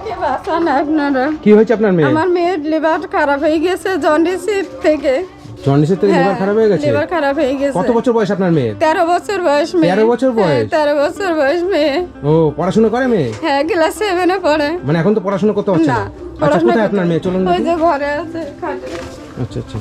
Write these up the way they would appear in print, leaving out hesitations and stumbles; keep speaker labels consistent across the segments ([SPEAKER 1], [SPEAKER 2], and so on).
[SPEAKER 1] মেয়েটাকে বাঁচান আপনারা।
[SPEAKER 2] কি হয়েছে আপনার মেয়ে?
[SPEAKER 1] আমার মেয়ের লিভার খারাপ হয়ে গেছে জন্ডিস থেকে।
[SPEAKER 2] জন্ডিসের থেকে লিভার খারাপ হয়ে গেছে?
[SPEAKER 1] লিভার খারাপ হয়ে গেছে।
[SPEAKER 2] কত বছর বয়স আপনার মেয়ে?
[SPEAKER 1] 13 বছর বয়স মেয়ে।
[SPEAKER 2] 13 বছর বয়স?
[SPEAKER 1] 13 বছর বয়স মেয়ে।
[SPEAKER 2] ও পড়াশোনা করে মেয়ে?
[SPEAKER 1] হ্যাঁ ক্লাস 7 এ পড়ে।
[SPEAKER 2] মানে এখন তো পড়াশোনা করতে পারছে না? আচ্ছা কোথায় আপনার মেয়ে? চলুন
[SPEAKER 1] ওই যে ঘরে আছে খাটে।
[SPEAKER 2] আচ্ছা আচ্ছা।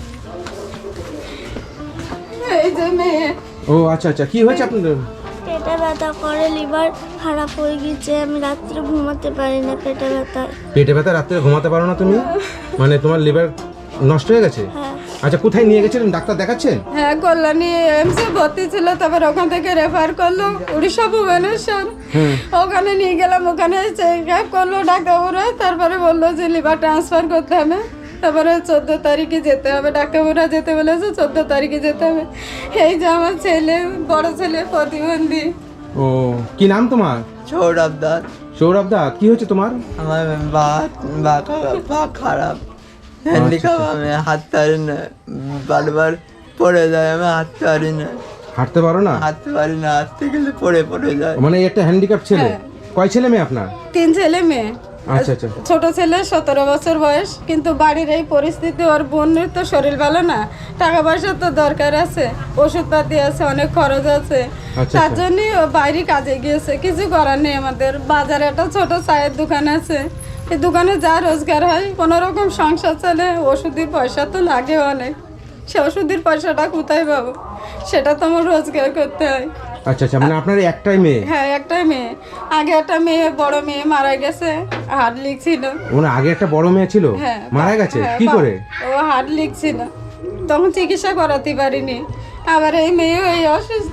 [SPEAKER 1] এই যে মেয়ে।
[SPEAKER 2] ও আচ্ছা আচ্ছা, কি হয়েছে আপনাদের?
[SPEAKER 3] পেটে ব্যথা করে, লিভার খারাপ হয়ে গেছে, আমি রাত্রে ঘুমাতে পারি না পেটে ব্যথায়।
[SPEAKER 2] পেটে ব্যথা রাত্রে ঘুমাতে পারো না তুমি? মানে তোমার লিভার নষ্ট হয়ে গেছে?
[SPEAKER 3] হ্যাঁ।
[SPEAKER 2] আচ্ছা কোথায় নিয়ে গেছিলেন? ডাক্তার দেখাচ্ছেন?
[SPEAKER 1] হ্যাঁ কল্যাণী এমসে ভর্তি ছিল, তারপর ওখান থেকে রেফার করলো উড়িষ্যা ভুবনেশ্বর। ওখানে নিয়ে গেলাম, ওখানে চেক আপ করলো ডাক্তারবাবুরা, তারপরে বললো যে লিভার ট্রান্সফার করতে হবে। তারপরে 14 তারিখে যেতে হবে, ডাক্তারবাবুরা যেতে বলেছে 14 তারিখে যেতে হবে। এই যে আমার ছেলে, বড় ছেলে প্রতিবন্ধী।
[SPEAKER 2] ও কি নাম তোমার?
[SPEAKER 4] সৌরভ দাস।
[SPEAKER 2] সৌরভ দা, কি হয়েছে তোমার?
[SPEAKER 4] আমার পা খারাপ, হ্যান্ডিক্যাপ, আমি হাঁটতে পারি না, বারবার পড়ে যায়, আমি হাঁটতে পারি না।
[SPEAKER 2] হাঁটতে পারো না?
[SPEAKER 4] হাঁটতে পারি না, হাঁটতে গেলে পড়ে যায়।
[SPEAKER 2] মানে একটা হ্যান্ডিক্যাপ ছেলে? কয় ছেলে মেয়ে আপনার?
[SPEAKER 1] 3 ছেলে মেয়ে।
[SPEAKER 2] আচ্ছা আচ্ছা।
[SPEAKER 1] ছোট ছেলে 17 বছর বয়স, কিন্তু বাড়ির এই পরিস্থিতি, ওর বোনের তো শরীর ভালো না, টাকা পয়সা তো দরকার আছে, ওষুধপাতি আছে, অনেক খরচ আছে।
[SPEAKER 2] আচ্ছা,
[SPEAKER 1] তার
[SPEAKER 2] আচ্ছা।
[SPEAKER 1] জন্যই ও বাইরে কাজে গিয়েছে, কিছু করার নেই আমাদের। বাজারে একটা ছোট চায়ের দোকান আছে, এই দোকানে যা রোজগার হয় কোনো রকম সংসার চলে। ওষুধের পয়সা তো লাগে অনেক, সে ওষুধের পয়সাটা কোথায় পাবো, সেটা তো আমার রোজগার করতে হয়।
[SPEAKER 2] আচ্ছা আচ্ছা, মানে আপনার একটাই মেয়ে?
[SPEAKER 1] হ্যাঁ একটাই মেয়ে। আগে একটা মেয়ে, বড় মেয়ে মারা গেছে, হার্ট লিক ছিল।
[SPEAKER 2] মানে আগে একটা বড় মেয়ে ছিল,
[SPEAKER 1] হ্যাঁ,
[SPEAKER 2] মারা গেছে?
[SPEAKER 1] হ্যাঁ,
[SPEAKER 2] কি করে?
[SPEAKER 1] ও হার্ট লিক ছিল, তখন চিকিৎসা করাতে পারিনি। আবার এই মেয়েও এই অসুস্থ।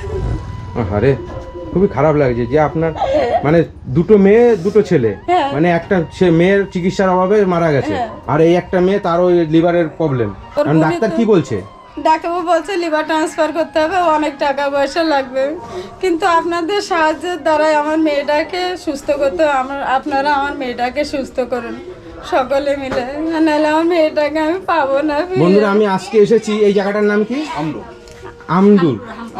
[SPEAKER 2] আরে খুবই খারাপ লাগছে যে আপনার মানে দুটো মেয়ে দুটো ছেলে,
[SPEAKER 1] হ্যাঁ।
[SPEAKER 2] মানে একটা মেয়ের চিকিৎসার অভাবে মারা গেছে, আর এই একটা মেয়ে তারও লিভারের প্রবলেম।
[SPEAKER 1] ওর
[SPEAKER 2] কারণ
[SPEAKER 1] বোনই
[SPEAKER 2] ডাক্তার
[SPEAKER 1] তো-
[SPEAKER 2] কি বলছে?
[SPEAKER 1] ডাক্তারবাবু বলছে লিভার ট্রান্সফার করতে হবে, অনেক টাকা পয়সা লাগবে, কিন্তু আপনাদের সাহায্যের দ্বারাই আমার মেয়েটাকে সুস্থ করতে, আপনারা আমার মেয়েটাকে সুস্থ করুন সকলে মিলে, নাহলে আমার মেয়েটাকে আমি পাবো না।
[SPEAKER 2] বন্ধুরা আমি আজকে এসেছি, এই জায়গাটার নাম কি? আমদুর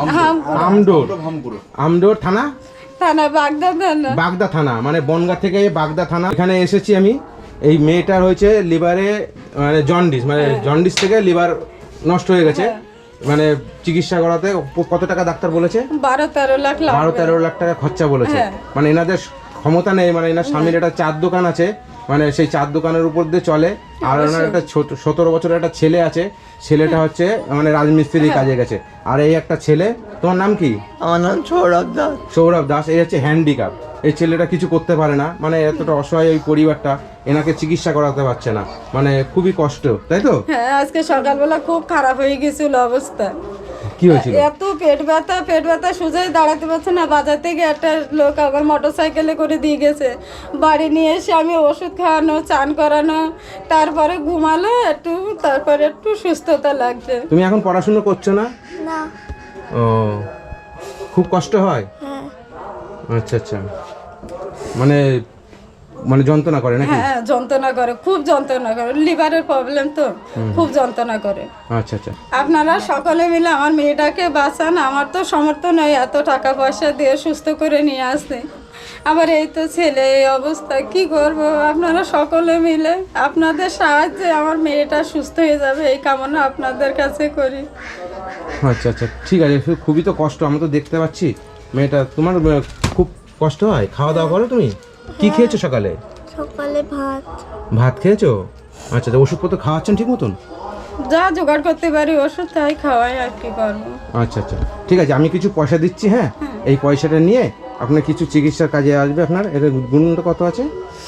[SPEAKER 2] আমডোর থানা,
[SPEAKER 1] থানা বাগদা থানা।
[SPEAKER 2] বাগদা থানা, মানে বনগাঁ থেকে বাগদা থানা। এখানে এসেছি আমি। এই মেয়েটার হয়েছে লিভারে মানে জন্ডিস, মানে জন্ডিস থেকে লিভার নষ্ট হয়ে গেছে। মানে চিকিৎসা করাতে কত টাকা ডাক্তার বলেছে?
[SPEAKER 1] 12-13 লাখ লাগবে।
[SPEAKER 2] 12-13 লাখ টাকা খরচা বলেছে।
[SPEAKER 1] হ্যাঁ।
[SPEAKER 2] মানে এনাদের ক্ষমতা নেই, মানে এনার স্বামীর একটা চার দোকান আছে, মানে সেই চার দোকানের উপর দিয়ে চলে। আর ওনার একটা 17 বছরের একটা ছেলে আছে, ছেলেটা হচ্ছে মানে রাজমিস্ত্রি কাজে গেছে। আর এই একটা ছেলে, তোমার নাম কি?
[SPEAKER 4] আমার নাম সৌরভ দাস।
[SPEAKER 2] সৌরভ দাস। এই হচ্ছে হ্যান্ডিক্যাপ, এই ছেলেটা কিছু করতে পারে না, মানে এতটা অসহায় ওই পরিবারটা, এনাকে চিকিৎসা করাতে পারছে না, মানে খুবই কষ্ট, তাই তো?
[SPEAKER 1] হ্যাঁ আজকে সকালবেলা খুব খারাপ হয়ে গেছিল অবস্থা।
[SPEAKER 2] কি হয়েছিল?
[SPEAKER 1] এত পেট ব্যথা সোজাই দাঁড়াতে পারছে না। বাজার থেকে একটা লোক আবার মোটর সাইকেলে করে দিয়ে গেছে, বাড়ি নিয়ে এসে আমি ওষুধ খাওয়ানো, চান করানো, তারপরে ঘুমালো একটু, তারপরে একটু সুস্থতা লাগছে।
[SPEAKER 2] তুমি এখন পড়াশোনা করছো না?
[SPEAKER 3] না।
[SPEAKER 2] ও খুব কষ্ট হয়?
[SPEAKER 3] হ্যাঁ।
[SPEAKER 2] আচ্ছা আচ্ছা, মানে মানে যন্ত্রণা করে নাকি?
[SPEAKER 1] হ্যাঁ যন্ত্রণা করে, খুব যন্ত্রণা করে, লিভারের প্রবলেম তো, খুব যন্ত্রণা করে।
[SPEAKER 2] আচ্ছা আচ্ছা।
[SPEAKER 1] আপনারা সকলে মিলে আমার মেয়েটাকে বাঁচান। আমার তো সামর্থ্য নয় এত টাকা পয়সা দিয়ে সুস্থ করে নিয়ে আসতে, আবার এই তো ছেলে এই অবস্থা, কি করব? আপনারা সকলে মিলে আপনাদের সাহায্যে আমার মেয়েটা সুস্থ হয়ে যাবে, এই কামনা আপনাদের কাছে করি।
[SPEAKER 2] আচ্ছা আচ্ছা ঠিক আছে, খুবই তো কষ্ট, আমরা তো দেখতে পাচ্ছি মেয়েটা। তোমার খুব কষ্ট হয়? খাওয়া দাওয়া করো তুমি? কি খেয়েছো সকালে?
[SPEAKER 3] সকালে ভাত।
[SPEAKER 2] ভাত খেয়েছো? আচ্ছা, তো ওষুধপত্র খাওয়াচ্ছেন ঠিক মতন?
[SPEAKER 1] যা জোগাড় করতে পারি ওষুধ তাই খাওয়াই, আর কি করবো।
[SPEAKER 2] আচ্ছা আচ্ছা ঠিক আছে, আমি কিছু পয়সা দিচ্ছি, হ্যাঁ? এই পয়সাটা নিয়ে আপনার কিছু চিকিৎসার কাজে আসবে। আপনার এর গুণটা কত আছে?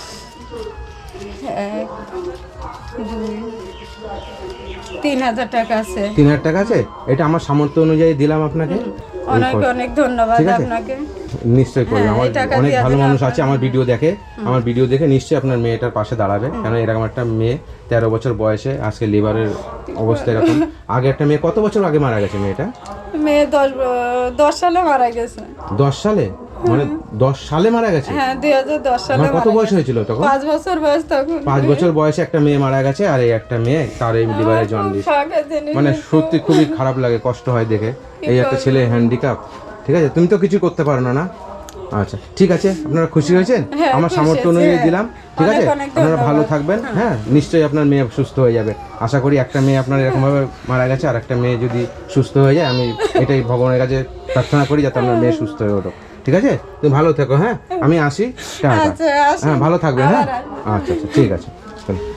[SPEAKER 1] 3,000 টাকা আছে।
[SPEAKER 2] 3,000 টাকা আছে? এটা আমার সামর্থ্য অনুযায়ী দিলাম আপনাকে।
[SPEAKER 1] অনেক অনেক ধন্যবাদ
[SPEAKER 2] ঠিক আছে?
[SPEAKER 1] আপনাকে।
[SPEAKER 2] নিশ্চয়ই করবে,
[SPEAKER 1] হ্যাঁ,
[SPEAKER 2] আমার
[SPEAKER 1] এই টাকা
[SPEAKER 2] অনেক
[SPEAKER 1] দেওয়ার
[SPEAKER 2] ভালো
[SPEAKER 1] জন্য
[SPEAKER 2] মানুষ আছে,
[SPEAKER 1] আপনাকে-
[SPEAKER 2] আমার ভিডিও দেখে, আমার ভিডিও দেখে নিশ্চয়ই আপনার মেয়েটার পাশে দাঁড়াবে। কারণ এরকম একটা মেয়ে 13 বছর বয়সে আজকে লিভারের অবস্থা এরকম। আগে একটা মেয়ে কত বছর আগে মারা গেছে মেয়েটা?
[SPEAKER 1] মেয়ে 10 সালে মারা গেছে।
[SPEAKER 2] 10 সালে? মানে 10 সালে মারা গেছে?
[SPEAKER 1] হ্যাঁ 2010 সালে
[SPEAKER 2] আমার কত
[SPEAKER 1] মারা
[SPEAKER 2] বয়স
[SPEAKER 1] গেছে।
[SPEAKER 2] হয়েছিল তখন?
[SPEAKER 1] 5 বছর বয়স তখন।
[SPEAKER 2] 5 বছর বয়সে একটা মেয়ে মারা গেছে, আর এই একটা মেয়ে তার এই লিভারে জন্ডিস। মানে সত্যি খুবই খারাপ লাগে, কষ্ট হয় দেখে। এই একটা ছেলে হ্যান্ডিক্যাপ, ঠিক আছে? তুমি তো কিছু করতে পারো না, না? আচ্ছা ঠিক আছে, আপনারা খুশি হয়েছেন?
[SPEAKER 1] হ্যাঁ,
[SPEAKER 2] আমার
[SPEAKER 1] খুশি
[SPEAKER 2] সামর্থ্য
[SPEAKER 1] হয়েছি,
[SPEAKER 2] অনুযায়ী
[SPEAKER 1] হ্যাঁ।
[SPEAKER 2] দিলাম, ঠিক আছে?
[SPEAKER 1] অনেক অনেক
[SPEAKER 2] আপনারা ভালো
[SPEAKER 1] ধন্যবাদ।
[SPEAKER 2] থাকবেন, হ্যাঁ নিশ্চয়ই আপনার মেয়ে সুস্থ হয়ে যাবে। আশা করি একটা মেয়ে আপনার এরকমভাবে মারা গেছে, আর একটা মেয়ে যদি সুস্থ হয়ে যায়, আমি এটাই ভগবানের কাছে প্রার্থনা করি যাতে আপনার মেয়ে সুস্থ হয়ে ওঠো, ঠিক আছে? তুমি ভালো থেকো, হ্যাঁ আমি আসি, টাটা।
[SPEAKER 1] আচ্ছা, আসুন।
[SPEAKER 2] হ্যাঁ ভালো থাকবেন, হ্যাঁ
[SPEAKER 1] আবার আসবো।
[SPEAKER 2] আচ্ছা আচ্ছা ঠিক আছে, চলো।